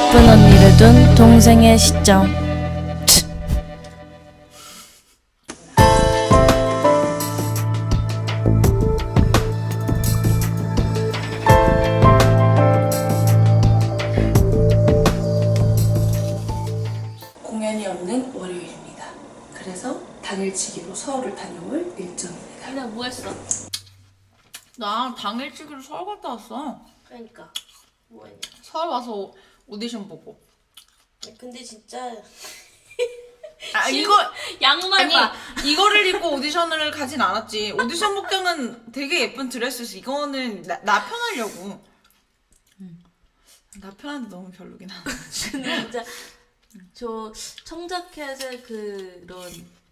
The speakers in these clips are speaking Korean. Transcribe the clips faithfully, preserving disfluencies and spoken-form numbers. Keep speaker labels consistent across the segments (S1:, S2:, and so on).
S1: 예쁜 언니를 둔 동생의 시점.
S2: 공연이 없는 월요일입니다. 그래서 당일치기로 서울을 다녀올 일정입니다.
S3: 이날 뭐 했어?
S4: 나 당일치기로 서울 갔다 왔어.
S3: 그러니까 뭐 했냐?
S4: 서울 와서 오- 오디션 보고.
S3: 근데 진짜
S4: 아
S3: 실-
S4: 이거
S3: 양말
S4: 아니
S3: 봐.
S4: 이거를 입고 오디션을 가진 않았지. 오디션 복장은 되게 예쁜 드레스였어. 이거는 나, 나 편하려고. 나 편한데 너무 별로긴 하다.
S3: 근데 진짜 저 청자켓의 그런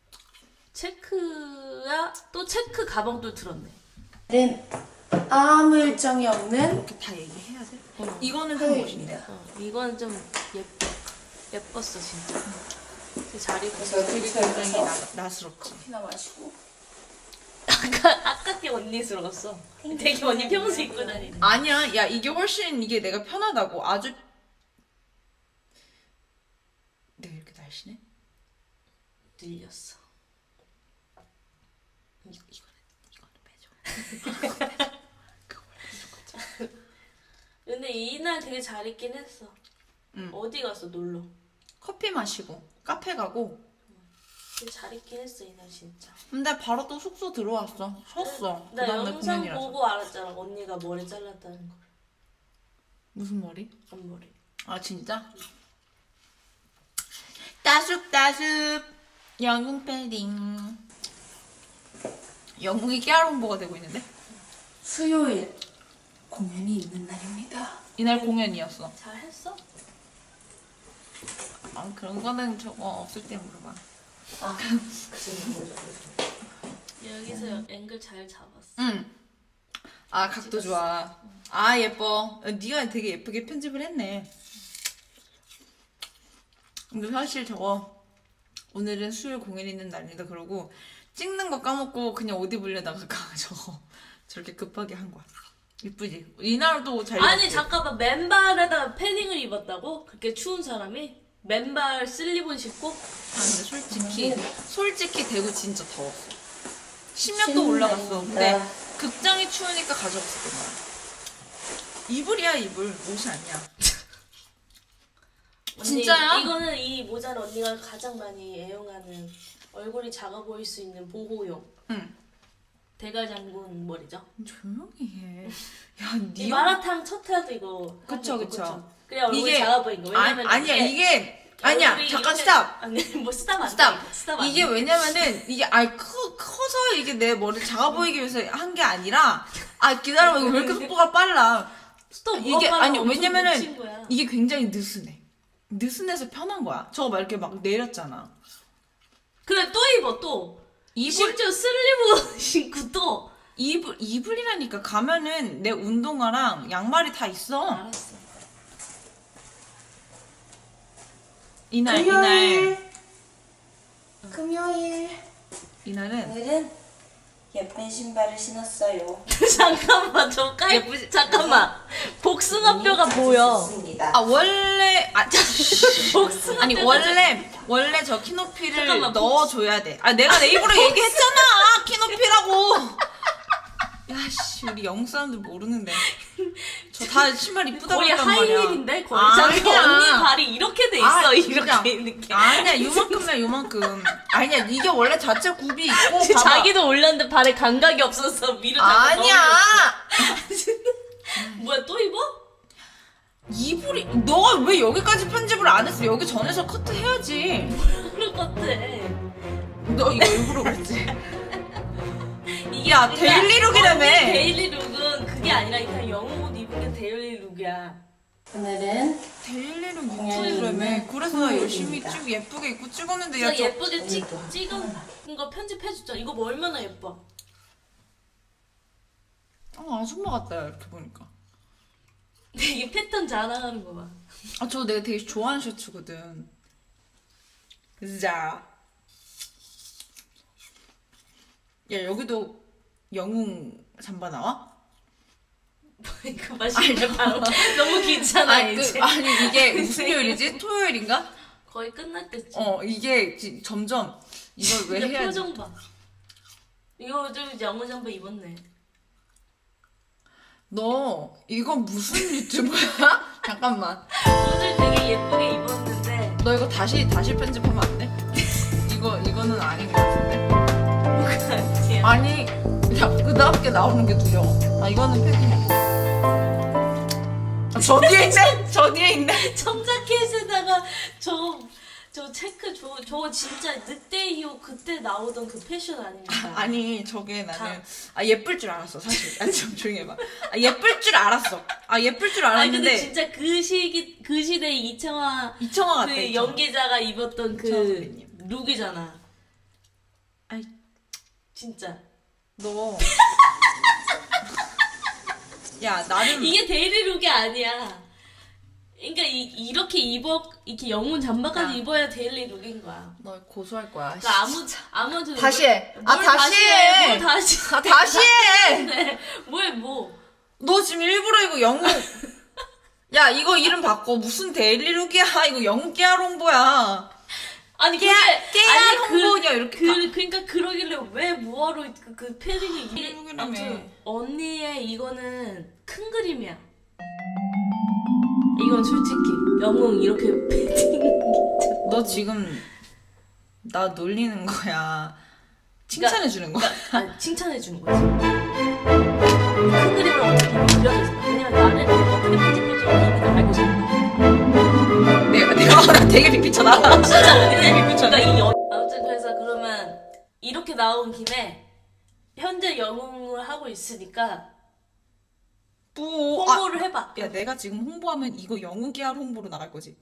S3: 체크야 또 체크 가방도 들었네.
S2: 는 아무 일정이 없는
S4: 이렇게 다 얘기해야 돼?
S3: 어.
S4: 이거는 좀 멋있네.
S2: 화요일입니다.
S3: 어, 이건 좀 예뻐 예뻤어 진짜. 그 자리
S2: 그래서
S4: 되게
S2: 근처에
S4: 굉장히
S2: 가서
S4: 나, 나스럽지.
S2: 커피나 마시고
S3: 아까 아깝게 언니스러웠어. 되게 언니 평소 입고 다니는.
S4: 아니야, 야 이게 훨씬 이게 내가 편하다고. 아주 내가 이렇게 날씬해?
S3: 늘렸어.
S4: 이거 이거는 이거는 빼줘.
S3: 근데 이날 되게 잘 입긴 했어.
S4: 응.
S3: 어디 갔어 놀러?
S4: 커피 마시고 카페 가고.
S3: 되게 잘 입긴 했어 이날 진짜.
S4: 근데 바로 또 숙소 들어왔어. 쉬었어.
S3: 나
S4: 그다음에
S3: 영상
S4: 공연이라서.
S3: 보고 알았잖아. 언니가 머리 잘랐다는 거.
S4: 무슨 머리?
S3: 앞머리.
S4: 아 진짜? 따숩 따숩 영웅 패딩. 영웅이 깨알 홍보가 되고 있는데?
S2: 수요일 공연이 있는 날입니다.
S4: 이날 공연이었어.
S3: 잘 했어?
S4: 아 그런 거는 저거 없을 때 물어봐.
S2: 아, 그지는 뭐죠?
S3: 여기서 앵글 잘 잡았어.
S4: 응. 아 각도 좋아. 아 예뻐. 어, 네가 되게 예쁘게 편집을 했네. 근데 사실 저거 오늘은 수요일 공연 있는 날입니다. 그러고 찍는 거 까먹고 그냥 옷 입으려다가 저거 저렇게 급하게 한 거야. 이쁘지? 이날도 잘
S3: 아니
S4: 입었지?
S3: 잠깐만 맨발에다가 패딩을 입었다고? 그렇게 추운 사람이? 맨발 슬리본 신고?
S4: 아 근데 솔직히 솔직히 대구 진짜 더웠어. 십몇 도
S2: 신난다.
S4: 올라갔어. 근데 극장이 추우니까 가져왔었던 거야. 이불이야 이불. 옷이 아니야.
S3: 언니,
S4: 진짜야?
S3: 이거는 이 모자는 언니가 가장 많이 애용하는 얼굴이 작아 보일 수 있는 보호용
S4: 응.
S3: 대가 장군 머리죠.
S4: 조용히 해. 야,
S3: 이
S4: 니
S3: 마라탕 첫 회도 이거
S4: 그쵸,
S3: 하고,
S4: 그쵸.
S3: 그래 얼굴이
S4: 이게-
S3: 작아 보인 거. 왜냐면
S4: 아, 아니야
S3: 이게
S4: 이게 아니야
S3: 얼굴이
S4: 잠깐
S3: 이렇게-
S4: 스탑
S3: 아니 뭐 스탑 안
S4: 스탑
S3: 돼. 스탑 안
S4: 이게
S3: 돼.
S4: 왜냐면은 이게 아 커, 커서 이게 내 머리 작아 보이기 위해서 한 게 아니라 아 기다려봐 이거 왜 이렇게 속도가 빨라
S3: 스톱
S4: 이게 아니
S3: 미친
S4: 왜냐면은
S3: 거야.
S4: 이게 굉장히 느슨해 느슨해서 편한 거야 저거 막 이렇게 막 내렸잖아
S3: 그래 또 입어 또.
S4: 이불
S3: 심지어 슬리브 신고 또.
S4: 이불 이불이라니까 가면은 내 운동화랑 양말이 다 있어
S3: 알았어.
S4: 이날 이날
S2: 금요일
S4: 이날은
S2: 오늘은 예쁜 신발을 신었어요.
S3: 잠깐만 저 깔.
S4: 예쁘지?
S3: 잠깐만. 복숭아뼈가 보여.
S2: 좋습니다.
S4: 아 원래 아
S3: 복숭아
S4: 아니
S3: 뼈가
S4: 원래 원래 저 키높이를
S3: 잠깐만,
S4: 넣어줘야 돼. 아 내가 내 입으로 얘기했잖아 키높이라고. 야씨 우리 영국 사람들 모르는데 저 다 신발 이쁘다고
S3: 거의
S4: 했단 말이야.
S3: 하이힐인데 거의
S4: 아니야.
S3: 자기 언니 발이 이렇게 돼 있어.
S4: 아, 진짜.
S3: 이렇게 있는 게.
S4: 아니야 요만큼이야 요만큼. 아니야 이게 원래 자체 굽이 있고 봐봐.
S3: 자기도 올렸는데 발에 감각이 없어서 위로 자꾸
S4: 아니야.
S3: 넘어졌어. 뭐야 또 입어?
S4: 이불이 너가 왜 여기까지 편집을 안 했어? 여기 전에서 커트 해야지.
S3: 그럴 것 같아.
S4: 너 이거 일부러 그랬지?
S3: 이게
S4: 야,
S3: 그러니까
S4: 데일리룩이라며.
S3: 언니 데일리 룩은 그게 아니라 그냥 영어 옷 입은 게 데일리 룩이야.
S2: 오늘은
S4: 데일리룩
S2: 공연이
S4: 유튜브라며.
S2: 있는
S4: 그래서 나 열심히
S2: 토요일입니다.
S4: 찍고 예쁘게 입고 찍었는데
S3: 그래서
S4: 야 저
S3: 예쁘게 찍,
S2: 오늘도
S3: 찍은 거 편집해줬잖아. 이거 뭐 얼마나 예뻐.
S4: 어, 아줌마 같다 야, 이렇게 보니까.
S3: 근데 이게 패턴 자랑하는 거 봐.
S4: 아 저 내가 되게 좋아하는 셔츠거든. 자. 야 여기도 영웅 잠바 나와?
S3: 그 맛이 바로 너무 귀찮아
S4: 아니, 그,
S3: 이제.
S4: 아니 이게 무슨 요일이지? 토요일인가?
S3: 거의 끝날 때쯤.
S4: 어 이게 지- 점점 이걸 왜
S3: 근데
S4: 해야지?
S3: 표정 봐. 이거 좀 양호 잠바 입었네.
S4: 너 이건 무슨 유튜브야? 잠깐만.
S3: 오늘 되게 예쁘게 입었는데
S4: 너 이거 다시 다시 편집하면 안 돼? 이거 이거는 아닌 것 같은데.
S3: 뭐가 아니야.
S4: 아니 야 그다음게 나오는 게 두려워. 아 이거는 패딩이야. 아, 저 뒤에 있네. 저 뒤에 있네.
S3: 청자켓에다가 저, 저 체크 저, 저거 진짜 늑대 이후 그때 나오던 그 패션 아닙니까?
S4: 아니 저게 나는 아 예쁠 줄 알았어 사실. 아니 좀 조용히 해봐. 아 예쁠 줄 알았어. 아 예쁠 줄
S3: 아니 근데
S4: 알았는데
S3: 진짜 그 시기 그 시대 이청아
S4: 이청아 같아.
S3: 그
S4: 이청아.
S3: 연기자가 입었던
S4: 이청아
S3: 그
S4: 선배님.
S3: 룩이잖아.
S4: 아이
S3: 진짜
S4: 너. 야 나름
S3: 이게 데일리 룩이 아니야. 그러니까 이, 이렇게 입어 이렇게 영문 잠바까지
S4: 야.
S3: 입어야 데일리 룩인 거야.
S4: 너 고소할 거야.
S3: 그러니까 아무 아무한테
S4: 다시 해.
S3: 뭘,
S4: 아,
S3: 뭘
S4: 다시
S3: 해.
S4: 해.
S3: 뭘 다시
S4: 아 다시 해.
S3: 네. 뭐해 뭐.
S4: 너 지금 일부러 이거 영웅. 야 이거 이름 바꿔. 무슨 데일리룩이야. 이거 영웅 깨알 홍보야.
S3: 아니
S4: 깨알
S3: 그게
S4: 깨알
S3: 아니,
S4: 홍보냐 이렇게.
S3: 그 그러니까 그러길래 왜 뭐하러 그, 그 패딩을 이게
S4: 패딩이라며.
S3: 아무튼 언니의 이거는 큰 그림이야. 이건 솔직히 영웅 이렇게 패딩
S4: 너 지금 나 놀리는 거야. 칭찬해 주는 거야.
S3: 아 칭찬해 주는 거지. 큰 그림을 어떻게 그려져 있어. 왜냐면 나는 어떻게 편집할지 이미 다 알고 있는 거야.
S4: 내가 내가 나 되게 빅피쳐 나.
S3: 진짜 언니는
S4: 되게 빅피쳐.
S3: 그러니까 이 연... 아무튼 그래서 그러면 이렇게 나온 김에 현재 영웅을 하고 있으니까
S4: 뭐 아,
S3: 홍보를 해봐.
S4: 야 내가 지금 홍보하면 이거 영웅 깨알 홍보로 나갈 거지.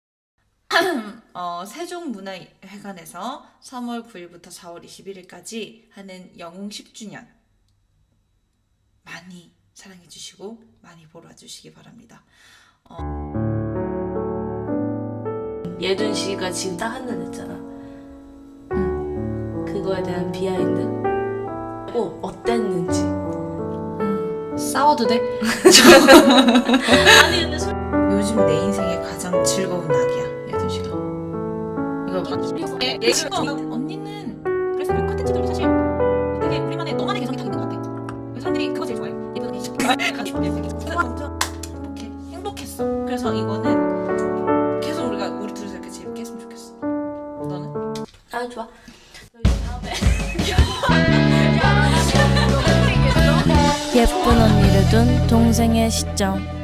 S4: 어, 세종문화회관에서 삼월 구일부터 사월 이십일일까지 하는 영웅 십 주년 많이 사랑해 주시고 많이 보러 와주시기 바랍니다.
S3: 예준 씨가 지금 딱 한 년 했잖아. 응. 그거에 대한 비하인드. 고 어땠는지.
S4: 싸워도 돼?
S3: 아니 근데 솔...
S4: 요즘 내 인생의 가장 즐거운 날이야, 예준 씨가. 이거 봐. 얘, 얘 친구 언니는 그래서 그 컨텐츠들도 사실 되게 우리만의 너만의 개성이 다 있는 것 같아. 사람들이 그거 제일 좋아해. 예쁜 게 완전 행복해. 행복했어. 그래서 이거는 계속 우리가 우리 둘이서 이렇게 재밌게 했으면 좋겠어. 너는?
S3: 아 좋아. 여기 다음에.
S1: 예쁜 언니를 둔 동생의 시점.